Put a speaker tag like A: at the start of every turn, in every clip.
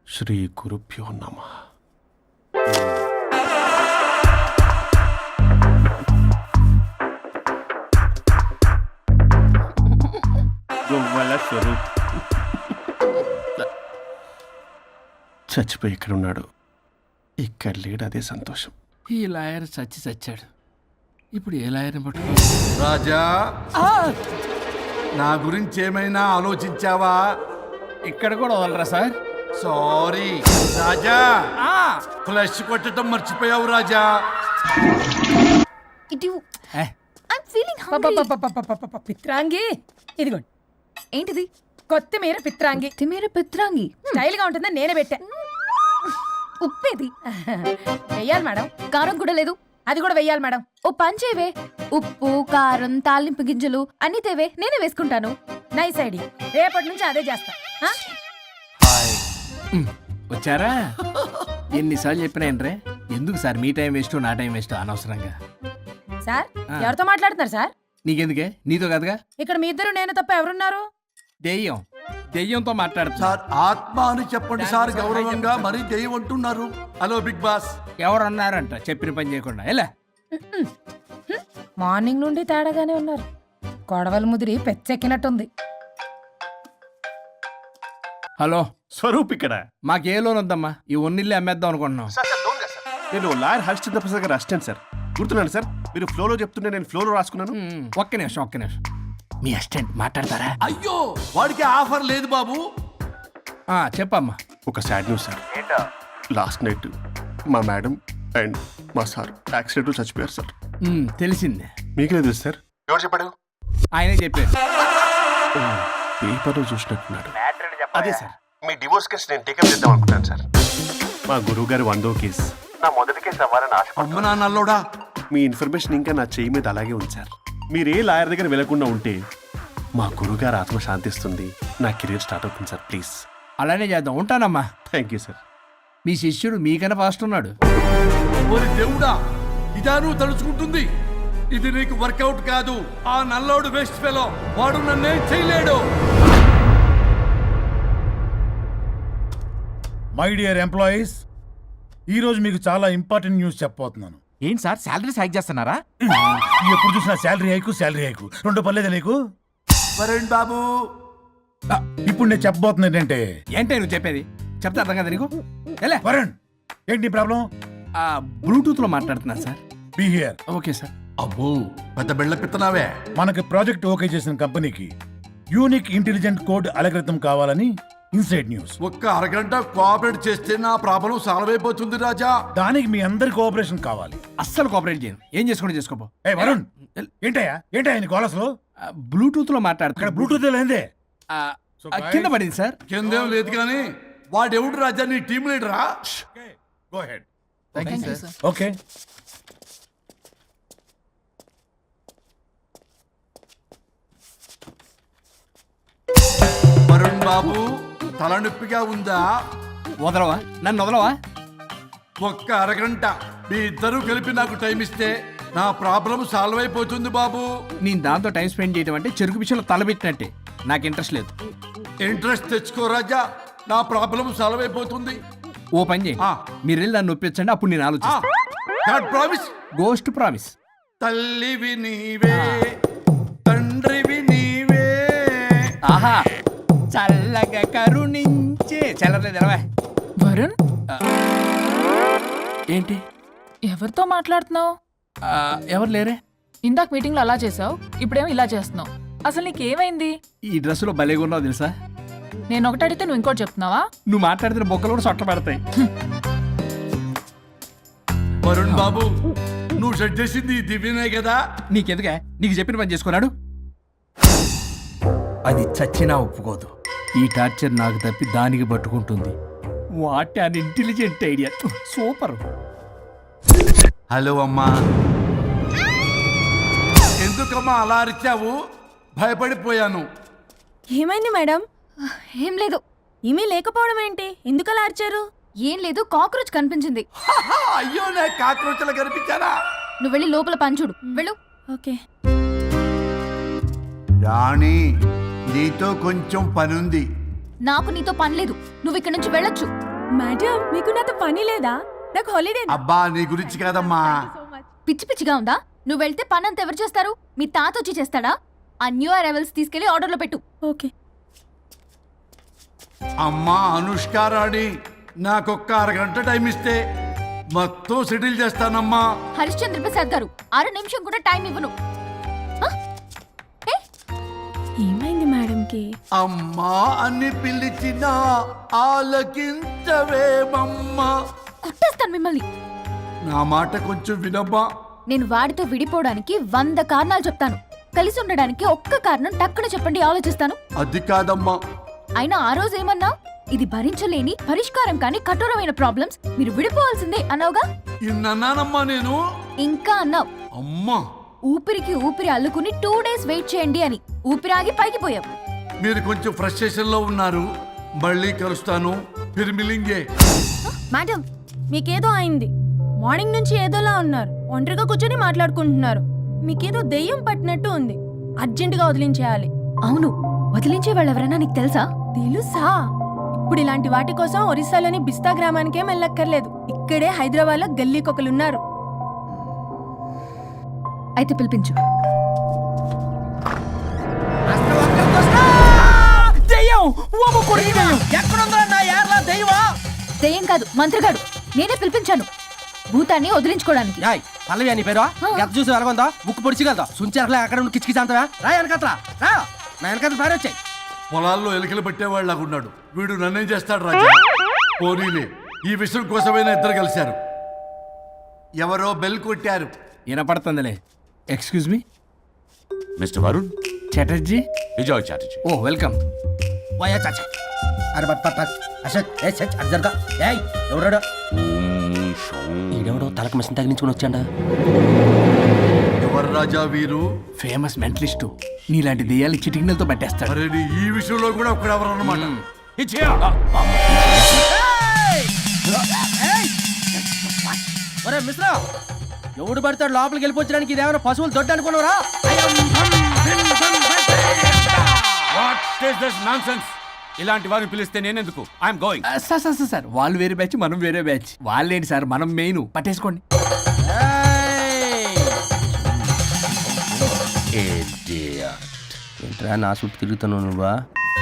A: శ్రీ గురుభ్యో నమః. గొవ్వల స్వరూప్ చచ్చిపోయి ఇక్కడ ఉన్నాడు. ఇక్కడ లేడు, అదే సంతోషం.
B: ఈ లాయర్ చచ్చాడు. ఇప్పుడు ఏ లాయర్ని పట్టుకో?
C: రాజా, నా గురించి ఏమైనా ఆలోచించావా?
B: ఇక్కడ కూడా వదలరా సార్?
C: సారీ రాజా, ఫ్లష్ కొట్టడం మర్చిపోయావు రాజా.
D: పిత్రాంగి ఇదిగోండి.
E: ఏంటిది?
D: కొత్తిమీర పిత్రాంగి.
E: పిత్రాంగి
D: స్టైల్ గా ఉంటుందని నేనే పెట్టా.
E: ఉప్పేది?
D: వెయ్యాలి మేడం.
E: కారం కూడా లేదు.
D: అది కూడా వెయ్యాలి మేడం.
E: ఓ పంచేవే, ఉప్పు కారం తాలింపు గింజలు అన్ని తేవే, నేనే వేసుకుంటాను.
D: Nice idea. రేపటి నుంచి అదే చేస్తా.
B: వచ్చారా? ఎన్నిసార్లు చెప్పినా ఏంట్రే? ఎందుకు సార్ మీ టైం వేస్ట్ నా టైం వేస్ట్ అనవసరంగా?
D: సార్ ఎవరితో మాట్లాడుతున్నారు సార్?
B: నీకెందుకే? నీతో కదగా.
D: ఇక్కడ మీ ఇద్దరు నేను తప్ప ఎవరున్నారు?
B: దెయ్యంతో మాట్లాడుతున్నా.
C: సార్ ఆత్మ అని చెప్పండి సార్, గౌరవంగా. మరీ దెయ్యం అంటున్నారు. Hello big boss.
B: ఎవరు అన్నారంట చెప్పిన పని చేయకుండా? ఎలా
D: మార్నింగ్ నుండి తేడాగానే ఉన్నారు. గొడవల ముదిరి పెచ్చెక్కినట్టుంది.
B: హలో
A: స్వరూప్ ఇక్కడ.
B: మాకే లోన్ వద్దమ్మా, ఈ ఒన్నిల్లు అమ్మేద్దాం అనుకుంటున్నాం.
A: నేను లాయర్ హరిశ్చంద్ర ప్రసాద్ గారు అసిస్టెంట్ సార్. గుర్తున్నాను సార్, మీరు ఫ్లోలో చెప్తుంటే నేను ఫ్లోలో రాసుకున్నాను.
B: ఒక్క నిమిషం. మీ అసిస్టెంట్ మాట్లాడతారా?
C: అయ్యో, వాడికి ఆఫర్ లేదు బాబు.
B: చెప్పమ్మా.
A: ఒక sad news sir. Last night మా మేడం అండ్ మా సార్ యాక్సిడెంట్ చచ్చిపోయారు సార్.
B: తెలిసిందే.
A: మీకే తెలుసు సార్. ఎవరు చెప్పాడు?
B: ఆయనే చెప్పారు.
A: పేపర్లో చూసినట్టున్నాడు. అదే సార్, మీ డివోర్స్ కేసు నేను టేకప్ చేద్దాం అనుకుంటాను సార్. మా గురువు గారు 100వ కేసు నా మొదటి కేసు అవ్వాలని ఆశ.
C: అమ్మ నాన్నల్లోడా,
A: మీ ఇన్ఫర్మేషన్ ఇంకా నా చేయి మీద అలాగే ఉంచారు. మీరే లాయర్ దగ్గర వెళ్లకుండా ఉంటే మా గురువుగారు ఆత్మ శాంతిస్తుంది, నా కెరీర్ స్టార్ట్ అవుతుంది సార్. ప్లీజ్
B: అలానే చేద్దాం. ఉంటానమ్మా.
A: Thank you sir.
B: మీ శిష్యుడు మీకన్నా ఫాస్ట్ ఉన్నాడు.
C: ఓరి దేవుడా, ఇదా నువ్వు తలుచుకుంటుంది? ఇది నీకు వర్కౌట్ కాదు. ఆ నల్లోడు వేస్ట్ ఫెలో, వాడు నన్నేం చేయలేడు.
F: మై డియర్ ఎంప్లాయీస్, ఈరోజు మీకు చాలా ఇంపార్టెంట్ న్యూస్ చెప్పబోతున్నాను.
G: ఏంటి సార్, శాలరీస్ హైక్ చేస్తున్నారా?
F: ఎప్పుడు చూసినా శాలరీ హైకు రెండు పర్లేదా నీకు?
C: వరుణ్ బాబు,
F: ఇప్పుడు నేను చెప్పబోతున్నా ఏంటంటే,
B: ఏంటే నువ్వు చెప్పేది? చెప్తే అర్థం కదా నీకు? ఎలా
F: వరుణ్, ఏంటి ప్రాబ్లం?
B: బ్లూటూత్ లో మాట్లాడుతున్నా sir.
F: Be here.
B: Okay sir.
C: అబ్బో, పెద్ద బిళ్ళ పిత్తనావే.
F: మనకి ప్రాజెక్ట్ ఓకే చేసిన కంపెనీకి యూనిక్ ఇంటెలిజెంట్ కోడ్ అలకృతం కావాలని ఇన్సైడ్ న్యూస్.
C: ఒక్క అరగంట కోఆపరేట్ చేస్తే నా ప్రాబ్లం సాల్వ్ అయిపోతుంది రాజా.
F: దానికి మీ అందరి కోఆపరేషన్ కావాలి.
B: అస్సలు కోఆపరేట్ చేయను. ఏం చేసుకుంటే చేసుకోపో.
F: ఏ వరుణ్, ఏంటయ్యా నీ కాలర్స్ లో
B: బ్లూటూత్ లో
F: ఇక్కడ
B: మాట్లాడుతున్నా.
F: బ్లూటూత్ లేదే.
B: కింద పడింది సార్.
C: కిందేం లేదు కానీ వాడెవడు రాజా, నీ టీం లీడరా?
F: Go ahead.
G: Sir.
F: Okay.
C: Varun బాబు, తలనొప్పిగా ఉందా?
B: వదలవా? నన్ను వదలవా?
C: ఒక్క అరగంట మీ ఇద్దరూ కలిపి నాకు టైం ఇస్తే నా ప్రాబ్లం సాల్వ్ అయిపోతుంది బాబు.
B: నేను దాంతో టైం స్పెండ్ చేయడం అంటే చెరుకు పిచ్చలో తలబెట్టినట్టే. నాకు ఇంట్రెస్ట్ లేదు.
C: ఇంట్రెస్ట్ తెచ్చుకో రాజా, నా ప్రాబ్లం సాల్వ్ అయిపోతుంది.
B: ఓ పని చేయండి, మీరు వెళ్ళి నన్ను ఒప్పించండి, అప్పుడు నేను ఆలోచిస్తాను.
C: ప్రామిస్.
B: Ghost promise.
C: తల్లివి నీవే, తండ్రివి నీవే.
B: ఆహా, చల్లగా కరుణించే. చల్లలేదు ఎలవా.
H: వరుణ్,
B: ఏంటి?
H: ఎవరితో మాట్లాడుతున్నావు?
B: ఎవరు లేరే.
H: ఇందాక మీటింగ్ లో అలా చేసావు, ఇప్పుడేమో ఇలా చేస్తున్నావు. అసలు నీకేమైంది?
B: ఈ డ్రెస్సులో భలేగా ఉన్నావు తెలుసా?
H: నేను ఒకటి అడిగితే నువ్వు ఇంకోటి చెప్తున్నావా?
B: నువ్వు మాట్లాడితే బొక్కలు కూడా సొట్ట పడతాయి.
C: వరుణ్ బాబు, నువ్వు సెట్ చేసింది ఈ దివ్యనే కదా?
B: నీకెందుకే? నీకు చెప్పిన పని చేసుకున్నాడు. అది చచ్చినా ఒప్పుకోదు. ఈ టార్చర్ నాకు తప్పి దానికి పట్టుకుంటుంది. What an intelligent idea. Super.
C: Hello అమ్మా. ఎందుకమ్మా అలా అరిచావు? భయపడిపోయాను.
D: ఏమైంది మేడం?
E: ఏం లేదు.
D: ఏమీ లేకపోవడం ఏంటి? ఎందుకలా అరిచారు?
E: ఏం లేదు, కాక్రోచ్ కనిపించింది.
C: అయ్యో, నా కాక్రోచ్లు కనిపించారా?
E: నువ్వు వెళ్ళి లోపల పని చూడు. వెళ్ళు.
D: ఓకే.
C: రాణి, నీతో కొంచెం పనుంది.
E: నాకు నీతో పని లేదు. నువ్వు ఇక్కడ నుంచి వెళ్ళొచ్చు.
I: మేడం మీకు నాతో పని లేదా? నాకు హాలిడే.
C: అబ్బా నీ గురించి కాదమ్మా.
E: పిచ్చి పిచ్చిగా ఉందా? నువ్వు వెళ్తే పని అంతా ఎవరు చేస్తారు? మీ తాత వచ్చి చేస్తాడా? ఆ న్యూ అరైవల్స్ తీసుకెళ్లి ఆర్డర్లో పెట్టు.
I: ఓకే.
C: అమ్మా అనుష్కారాణి, నాకొక్క అరగంట టైం ఇస్తే మొత్తం సెటిల్ చేస్తానమ్మా.
E: హరిశ్చంద్ర ప్రసాద్ గారు 6 నిమిషం కూడా టైం ఇవ్వను.
I: ఏమైంది మేడంకి?
C: అమ్మా అని పిలిచినా ఆలకించవేమమ్మా.
E: కుట్టేస్తాను మిమ్మల్ని.
C: నా మాట కొంచెం వినమ్మా.
E: నేను వాడితో విడిపోవడానికి 100 కారణాలు చెప్తాను. కలిసి ఉండడానికి ఒక్క కారణం టక్కున చెప్పండి, ఆలోచిస్తాను.
C: అది కాదమ్మా.
E: అయినా ఆ రోజు ఏమన్నా? ఇది భరించలేని పరిష్కారం కాని కఠోరమైన ప్రాబ్లమ్స్, మీరు విడిపోవాల్సిందే అన్నావుగా.
C: ఇన్నానమ్మా నేను.
E: ఇంకా అన్నావు,
C: అమ్మా
E: ఊపిరికి ఊపిరి అల్లుకుని 2 days వెయిట్ చేయండి అని. ఊపిరాగి పైకి పోయావు.
C: మీరు కొంచెం ఫ్రస్ట్రేషన్ లో ఉన్నారు. మళ్ళీ కలుస్తాను. ఫిర్మిలింగే.
I: మేడం మీకేదో అయింది. మార్నింగ్ నుంచి ఏదోలా ఉన్నారు. ఒంటరిగా కూర్చొని మాట్లాడుకుంటున్నారు. మీకేదో దెయ్యం పట్టినట్టు ఉంది. అర్జెంటుగా వదిలించేయాలి.
E: అవును, వదిలించే వాళ్ళెవరైనా నీకు తెలుసా?
I: తెలుసా? ఇప్పుడు ఇలాంటి వాటి కోసం ఒరిస్సాలోని బిస్తా గ్రామానికేం వెళ్ళక్కర్లేదు. ఇక్కడే హైదరాబాద్ లో గల్లీకొకలున్నారు.
E: అయితే పిలిపించు. దెయ్యం కాదు, మంత్రగాడు. నేనే పిలిపించాను భూతాన్ని వదిలించుకోవడానికి.
G: పల్లవి అని పేరు గత చూసి వెలగొందా ముక్కు పొడిచిగలదా సుంచరలే అక్కడ ఉండి కిచకిచ అంతవా రా వెనకత్రా రా నా వెనకత్ర పారి వచ్చాయి.
C: పొలాల్లో ఎలికలు పట్టేవాళ్ళగా ఉన్నాడు వీడు. నన్నేం చేస్తాడు రాజా? పోనీలే, ఈ విషయం కోసమైనా ఇద్దరు కలిశారు. ఎవరో బెల్ కొట్టారు.
B: వినపడుతుందిలే. Excuse me
J: mister Varun
B: Chatterjee.
J: Vijay Chatterjee.
B: Oh welcome.
G: వయా చాచా అరే బట్ పట్ పట్ అసత్ ఏ సచ్ అర్జర్గా ఏయ్ ఎవరడా ఈడెవడో తలకు మిషన్ తగిలించుకుని వచ్చాడా?
C: ఎవరు రాజా వీరు?
B: Famous mentalist. నీలాంటి దెయ్యాలు చిటికినలతో పట్టేస్తాడు.
C: అరే నీ ఈ విషయంలో కూడా ఒకడెవరు అన్నమాట.
G: ఒరే మిశ్రా ఎవడు పడతాడు లోపలికి వెళ్ళిపోవడానికి? ఇదేమైనా పశువులు దొడ్డు అనుకున్నారా?
J: ఇలాంటి వారిని పిలిస్తే నేనెందుకు? I'm going.
B: Sir sir sir వాళ్ళు వేరే బ్యాచ్, మనం వేరే బ్యాచ్. వాళ్ళేంటి సార్, మనం మెయిన్. పట్టేసుకోండి.
G: ఏంట్రా నా చుట్టూ తిరుగుతున్నావు నువ్వా?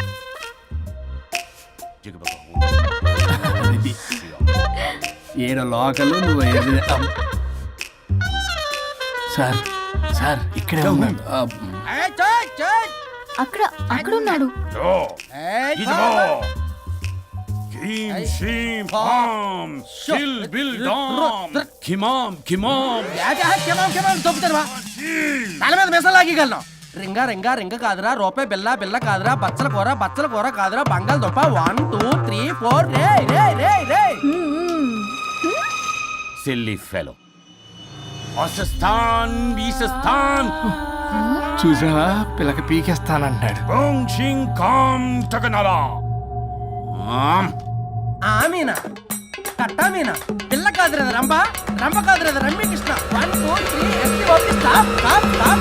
B: ఏడో లోకలు నువ్వు సార్ సార్ ఇక్కడే ఉన్నాడు.
E: అక్కడ అక్కడ ఉన్నాడు.
G: తల మీద మెసలాగలను రింగా రింగా రింగ కాదురా, రూపాయి బిల్ల బిల్ల కాదురా, బచ్చల కూర కాదురా, బంగాళదుంప 1 2 3 4 రే రే రే రే.
J: Silly fellow. అసస్థాన్ బీసస్థాన్
B: చూసావా, పిల్లకి పీకేస్తానంటాడు.
G: ఆమీనా కట్టామీనా పిల్ల కాదురా రంభ, రంభ కాదురా Ramya Krishna. 1 2 3 S T O P stop stop stop.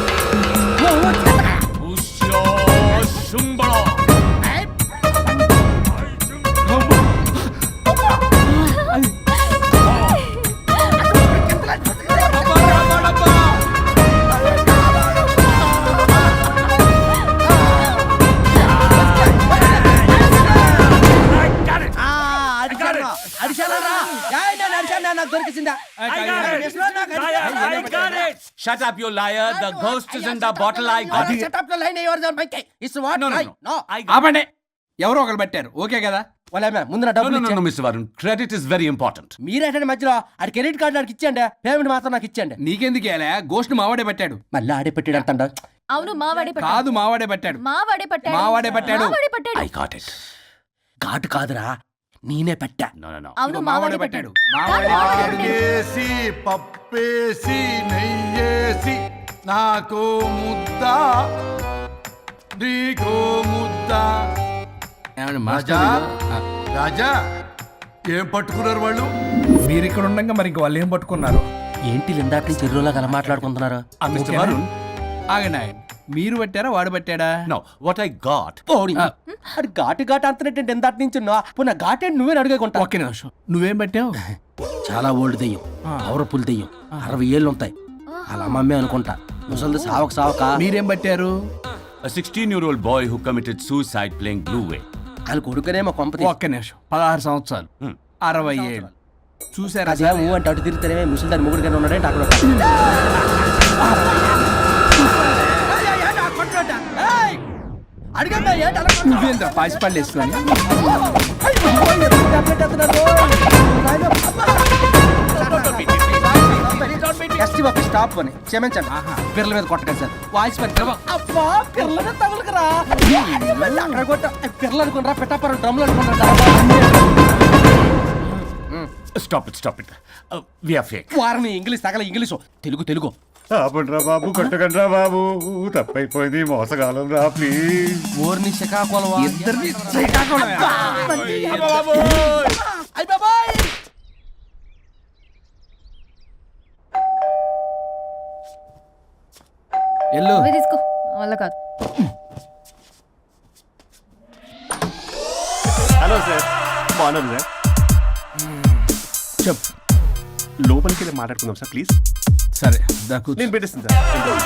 J: Shut up, you liar. The ghost is in the bottle. I got it.
G: Shut up the line. Yours are my case. It's what?
J: No.
B: ఆపండి. ఎవరో ఒకరు పెట్టారు. Okay కదా?
G: ముందు నా డబ్బులు
J: No, Mr. Varun. Credit is very important.
G: మీరేటండి మధ్యలో ఆడి credit card నాకు ఇచ్చేయండి, పేమెంట్ మాత్రం నాకు ఇచ్చేయండి.
B: నీకెందుకు ఇలా? గోష్ట్ మావాడే పెట్టాడు.
G: మళ్ళీ ఆడే పెట్టాడు అంటాడు.
E: అవును, మావాడే పట్టాడు.
B: కాదు, మావాడే పెట్టాడు.
E: మావాడే పట్టాడు.
B: మావాడే పట్టాడు.
E: మావాడే పట్టాడు.
J: I got it.
G: ఘాటు కాదురా, నేనే పెట్టా.
J: No.
E: అవును, మావాడే పట్టాడు.
C: ఆగేసి పప్పేసి నెయ్యేసి నాకు ముద్ద నీకో ముద్ద.
B: ఏమండి
C: రాజా
B: మాస్టర్?
C: రాజా ఏం పట్టుకున్నారు వాళ్ళు?
B: మీరు ఇక్కడ ఉండగా మరి ఇంక వాళ్ళు ఏం పట్టుకున్నారు?
G: ఏంటి ఇందాక నుంచి చెరువులా కల మాట్లాడుకుంటున్నారు?
J: Mr. Varun.
B: ఆగండి ఆగండి. మీరు పట్టారా వాడు పట్టాడా?
J: No, what I got.
G: ఓడి అది ఘాటు ఘాటు అంటున్నట్టు ఎందాటి నుంచి నా ఘాటే నువ్వే అడుగుకుంటా.
B: ఒక్క నిమిషం, నువ్వేం పట్టావు?
G: చాలా ఓల్డ్ దెయ్యం, పవర్ఫుల్ దెయ్యం, 60 ఏళ్ళు ఉంటాయి. అలా అమ్మమ్మే అనుకుంటా. ముసలిది సావక
B: మీరేం పట్టారు?
J: A 16-year-old boy who committed suicide playing Blue Whale.
G: వాళ్ళ కొడుకునేమో కొంపతి.
B: ఒక్క నిమిషం, 16 సంవత్సరాలు, 60 ఏళ్ళు. చూసారా
G: అదే ఊ అంటే అటు తిరిగితేనే ముసలి దాని మొగుడు కానీ ఉన్నాడంటే అక్కడ అడిగమ్మా ఏంటి అలా
B: నువ్వేంద్ర పాసిపళ్ళు వేసుకొని?
G: ఎస్టీ బాబు స్టాప్ అని క్షమించండి. పిల్లల మీద కొట్టకండి సార్. వాయిస్ అబ్బా పిల్లల మీద తగులుకురా అక్కడ కొట్ట పిల్లలు అనుకున్నారా పెట్టాపరం డ్రమ్లు అనుకున్నారా?
J: Stop it. We are fake.
G: వారిని ఇంగ్లీష్ తగల ఇంగ్లీషు తెలుగు
A: ఆపండ్రా బాబు, కొట్టకండ్రా బాబు, తప్పైపోయింది, మోసగాలం రా ప్లీజ్.
G: ఊరిని శ్రీకాకుళం
B: ఇద్దరిని శ్రీకాకుళం. ఎల్లు
E: నువ్వే తీసుకో, వల్ల కాదు.
A: హలో సార్, బాగున్నాను సార్.
B: చెప్పు.
A: లోపలికి వెళ్ళి మాట్లాడుకుందాం సార్ ప్లీజ్.
B: సరే దాకు
A: నేను పెట్టేస్తాను సార్.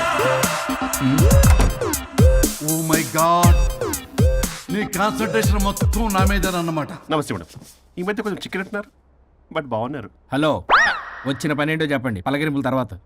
C: ఓ మై గాడ్, నీ కాన్సన్ట్రేషన్ మొత్తం నా మీదనన్నమాట.
A: నమస్తే మేడం. ఈ మధ్య కొంచెం చికెన్ అంటున్నారు, బట్ బాగున్నారు.
B: హలో, వచ్చిన పని ఏంటో చెప్పండి, పలకరింపుల తర్వాత.